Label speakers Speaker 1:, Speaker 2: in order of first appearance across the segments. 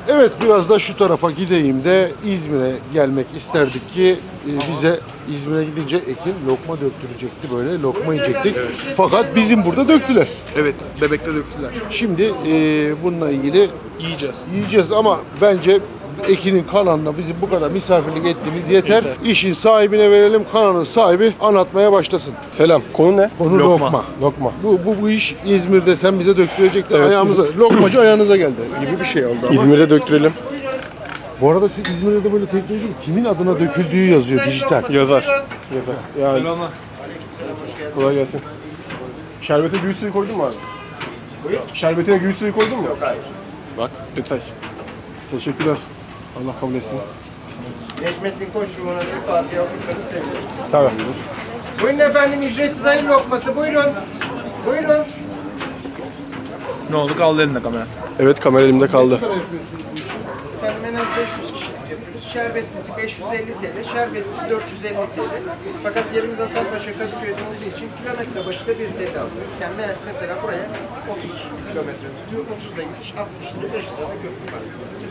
Speaker 1: Evet, biraz da şu tarafa gideyim de İzmir'e gelmek isterdik ki bize İzmir'e gidince Ekin lokma döktürecekti, böyle lokma yiyecektik. Fakat bizim burada döktüler.
Speaker 2: Evet, Bebek'te döktüler.
Speaker 1: Şimdi bununla ilgili yiyeceğiz ama bence Ekin'in kanalına bizim bu kadar misafirlik ettiğimiz yeter. İşin sahibine verelim, kanalın sahibi anlatmaya başlasın.
Speaker 3: Selam. Konu ne?
Speaker 1: Konu lokma.
Speaker 3: Lokma.
Speaker 1: Bu iş İzmir'de sen bize döktürecektin,
Speaker 3: Evet.
Speaker 1: ayağımıza, lokmacı ayağınıza geldi gibi bir şey oldu ama.
Speaker 3: İzmir'de döktürelim.
Speaker 1: Bu arada siz İzmir'de de böyle teknoloji kimin adına döküldüğü yazıyor dijital.
Speaker 3: Yazar. Yani kolay gelsin. Şerbete gül suyu koydun mu abi? Buyur. Şerbetine gül suyu koydun mu? Yok hayır. Bak detay. Teşekkürler. Allah kabul etsin.
Speaker 4: Necmettin Koçluğu'na bir Fatih Avrupa'nı seviyorum.
Speaker 3: Tamam.
Speaker 4: Buyurun efendim, ücretsiz ayın lokması. Buyurun. Buyurun.
Speaker 2: Ne oldu? Kaldı elinde kamera.
Speaker 3: Evet, kamera elimde kaldı.
Speaker 4: Efendim en az 500 kişilik yapıyoruz. Şerbetlisi 550 TL, şerbetsiz 450 TL. Fakat yerimiz Hasanpaşa Kadıköy'de olduğu için kilometre başına 1 TL alıyoruz. Yani mesela buraya 30 kilometre tutuyor. 30'da gidiş, 60 lira, 5 lirada köprü var.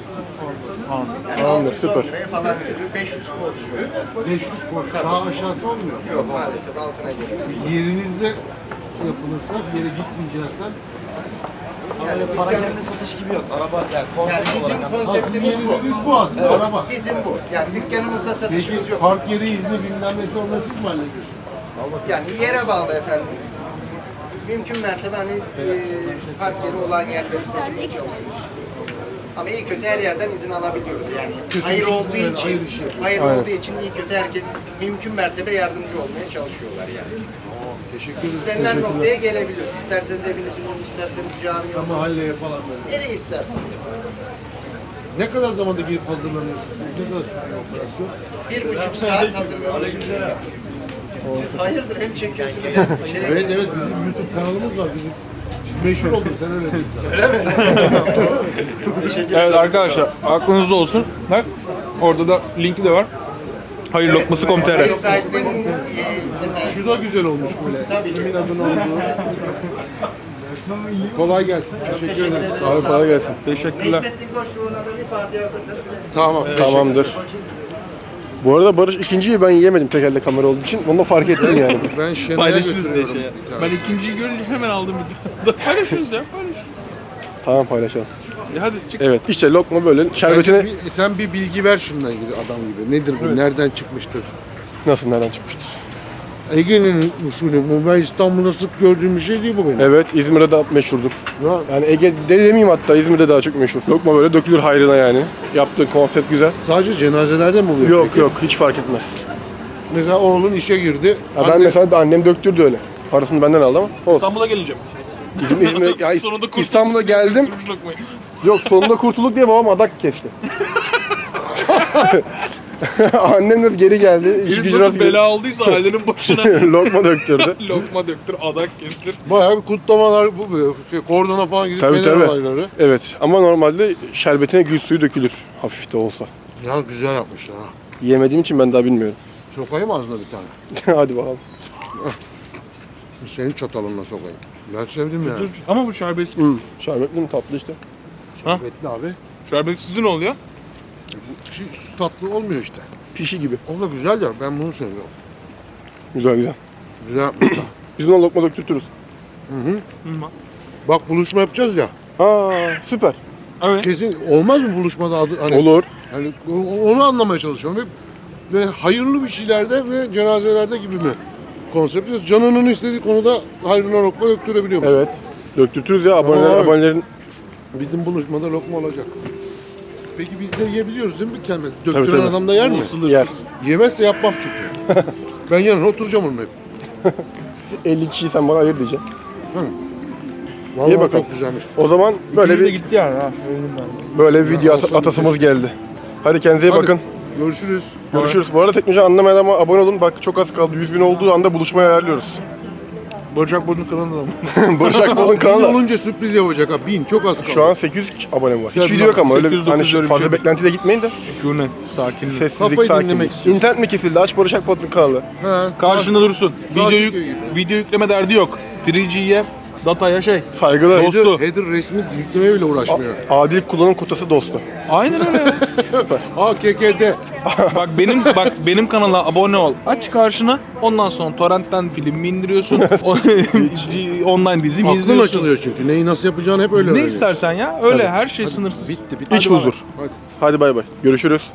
Speaker 4: Yani
Speaker 3: Tamamdır,
Speaker 4: 610
Speaker 3: süper.
Speaker 4: liraya falan geliyor. 500 porsiyon.
Speaker 1: 500 korku. Daha aşağısı olmuyor.
Speaker 4: Yok maalesef altına geliyor.
Speaker 1: Yerinizde yapılırsa, bir yere gitmeyeceksen.
Speaker 5: Yani para kendi satış gibi yok. Araba yani
Speaker 4: Yani
Speaker 5: konsept
Speaker 4: bizim
Speaker 5: olarak.
Speaker 4: konseptimiz bu.
Speaker 1: Yeriniz bu aslında, araba.
Speaker 4: Bizim bu. Yani dükkanımızda satışımız
Speaker 1: Peki
Speaker 4: yok.
Speaker 1: park yeri izni bilmem nesi, onları siz mi hallediyorsunuz?
Speaker 4: Yani yere bağlı efendim. Mümkün mertebe hani park yeri olan yerleri seçmeye çalışıyoruz. Ama iyi kötü her yerden izin alabiliyoruz yani. Hayır olduğu
Speaker 1: evet,
Speaker 4: için,
Speaker 1: hayır işi yapıyoruz.
Speaker 4: hayır olduğu için iyi kötü herkes mümkün mertebe yardımcı olmaya çalışıyorlar yani.
Speaker 1: Teşekkür ederim.
Speaker 4: İstenilen noktaya gelebiliyoruz. İsterseniz evinizin önü, isterseniz cami yolu,
Speaker 1: Mahalleye falan böyle.
Speaker 4: nereye isterseniz.
Speaker 1: Ne kadar zamanda girip hazırlanıyorsunuz? Ne kadar sürüyor operasyon?
Speaker 4: 1,5 saat hazırlıyoruz. Siz hayırdır hem çekiyorsunuz hem şey.
Speaker 1: Evet, bizim YouTube kanalımız var. Bizim meşhur oldun sen, öyle değil.
Speaker 2: Evet arkadaşlar, aklınızda olsun. Bak, orada da linki de var. Hayırlokması.com.tr.
Speaker 4: Ev sahiplerinin mesela
Speaker 1: Şu da güzel olmuş böyle. Kimin adına olduğu. Kolay gelsin. Teşekkür ederiz. Sağ olun.
Speaker 3: Kolay gelsin.
Speaker 2: Teşekkürler.
Speaker 4: Necmettin Koçluğu'na da bir Fatih Avrupa'nı
Speaker 1: Tamam.
Speaker 3: Tamamdır. Bu arada Barış ikinciyi ben yiyemedim tek elde kamera olduğu için. Onu da fark ettim yani.
Speaker 1: Ben Şenay'a
Speaker 2: Paylaşırız diye
Speaker 1: götürüyorum
Speaker 2: şey.
Speaker 1: bir
Speaker 2: Ben
Speaker 1: tanesi.
Speaker 2: ikinciyi görünce hemen aldım bir tane. Paylaşırız ya, paylaşırız.
Speaker 3: Tamam, paylaşalım.
Speaker 2: Hadi çık.
Speaker 3: Evet, işte lokma böyle.
Speaker 1: Bence
Speaker 3: Şerbetine
Speaker 1: sen bir bilgi ver şununla ilgili adam gibi. Nedir bu? Nereden çıkmıştır?
Speaker 3: nasıl, nereden çıkmıştır?
Speaker 1: Ege'nin usulü bu. Ben İstanbul'da sık gördüğüm bir şey değil bu benim.
Speaker 3: Evet, İzmir'de de meşhurdur.
Speaker 1: Ya,
Speaker 3: Yani Ege'de demeyeyim, hatta İzmir'de daha çok meşhur. Lokma böyle dökülür hayrına yani. Yaptığı konsept güzel.
Speaker 1: sadece cenazelerde mi oluyor?
Speaker 3: Yok
Speaker 1: peki?
Speaker 3: yok, hiç fark etmez.
Speaker 1: Mesela oğlun işe girdi.
Speaker 3: Ya ben
Speaker 1: Anne-
Speaker 3: mesela de annem döktürdü öyle. Parasını benden aldı ama olsun.
Speaker 2: İstanbul'a geleceğim.
Speaker 3: İzmir'e ya,
Speaker 2: Sonunda kurtulduk.
Speaker 3: İstanbul'a geldim.
Speaker 2: Kurtulmuş lokmayı.
Speaker 3: Yok, sonunda kurtulduk diye babam adak kesti. Annem de geri geldi. İş
Speaker 2: Herif
Speaker 3: gücü
Speaker 2: nasıl bela olduysa ailenin başına
Speaker 3: lokma döktürdü.
Speaker 2: lokma döktür, adak kestir.
Speaker 1: Bayağı bir kutlamalar, bu kordona falan gidip
Speaker 3: Tabii
Speaker 1: fener
Speaker 3: tabii.
Speaker 1: olayları.
Speaker 3: Evet, ama normalde şerbetine gül suyu dökülür. Hafif de olsa.
Speaker 1: Ya güzel yapmışlar ha.
Speaker 3: Yiyemediğim için ben daha bilmiyorum.
Speaker 1: Sokayım ağzına bir tane.
Speaker 3: Hadi bakalım.
Speaker 1: Senin çatalınla sokayım. Ben sevdim yani.
Speaker 2: Dur. Ama bu şerbetsiz.
Speaker 3: Şerbetli mi, tatlı işte.
Speaker 1: Şerbetli abi.
Speaker 2: Şerbetsiz ne oluyor?
Speaker 1: Şu tatlı olmuyor işte.
Speaker 3: Pişi gibi.
Speaker 1: O da güzel ya, ben bunu seviyorum.
Speaker 3: Güzel güzel.
Speaker 1: Güzel yapmışlar.
Speaker 3: Biz buna lokma döktürtürüz.
Speaker 1: Bak, buluşma yapacağız ya.
Speaker 3: Aa, süper.
Speaker 2: Evet.
Speaker 1: Kesin olmaz mı buluşmada adı? Hani,
Speaker 3: Olur.
Speaker 1: Hani onu anlamaya çalışıyorum. Ve hayırlı bir şeylerde ve cenazelerde gibi mi? Konsept. Canının istediği konuda hayrına lokma döktürebiliyor musun?
Speaker 3: Evet. Döktürtürüz ya,
Speaker 1: Aa.
Speaker 3: abonelerin.
Speaker 1: Bizim buluşmada lokma olacak. Peki biz de yiyebiliyoruz değil mi bir kelime? Döktüren
Speaker 3: tabii.
Speaker 1: adam da yer mi?
Speaker 3: Yer.
Speaker 1: Yemezse yapmam çünkü. Ben yanına oturacağım onun hep.
Speaker 3: 50 kişiyi sen bana ayır diyeceksin.
Speaker 1: Vallahi
Speaker 3: Ye bakalım.
Speaker 1: çok güzelmiş.
Speaker 3: O zaman böyle
Speaker 2: Biri de
Speaker 3: bir
Speaker 2: gitti yani ha.
Speaker 3: böyle bir video
Speaker 1: olsun,
Speaker 3: atasımız geldi. Hadi kendinize iyi
Speaker 1: Hadi,
Speaker 3: bakın.
Speaker 1: Görüşürüz.
Speaker 3: Görüşürüz. Bu arada teknoloji anlamayan ama abone olun. Bak çok az kaldı. 100.000 olduğu anda buluşmayı ayarlıyoruz.
Speaker 2: Barış Akbol'un kanalında da.
Speaker 3: Barış Akbol'un
Speaker 1: Bin
Speaker 3: kanalı.
Speaker 1: olunca sürpriz yapacak ha. 1000 çok az kaldı.
Speaker 3: Şu an 800 abone var. Hiç
Speaker 1: Ya
Speaker 3: video yok ama öyle
Speaker 2: 800,
Speaker 3: hani
Speaker 2: 900 öyle bir
Speaker 3: fazla
Speaker 2: şey.
Speaker 3: beklentiyle gitmeyin de.
Speaker 2: Sükunet, sakinlik.
Speaker 3: Sessizlik,
Speaker 1: Kafayı
Speaker 3: sakinlik.
Speaker 1: dinlemek istiyorsun.
Speaker 3: İnternet mi kesildi? Aç Barış Akbol'un kanalı.
Speaker 1: Ha,
Speaker 2: Karşında dursun.
Speaker 1: Daha
Speaker 2: Video,
Speaker 1: çıkıyor gibi.
Speaker 2: video yükleme derdi yok. 3G'ye dataya şey.
Speaker 3: Saygılar.
Speaker 2: Dostu.
Speaker 1: Header resmi yüklemeye bile uğraşmıyor.
Speaker 3: Adil kullanım kotası dostu.
Speaker 2: Aynen öyle ya.
Speaker 1: AKK'de.
Speaker 2: Bak benim kanala abone ol. Aç karşına. Ondan sonra torrentten film indiriyorsun. Online dizi mi
Speaker 1: Aklın
Speaker 2: izliyorsun?
Speaker 1: açılıyor çünkü. Neyi nasıl yapacağını hep öyle
Speaker 2: Ne
Speaker 1: öğreniyor.
Speaker 2: istersen ya. Öyle her şey sınırsız.
Speaker 1: Bitti.
Speaker 3: İç huzur.
Speaker 1: Hadi.
Speaker 3: Hadi bay bay. Görüşürüz.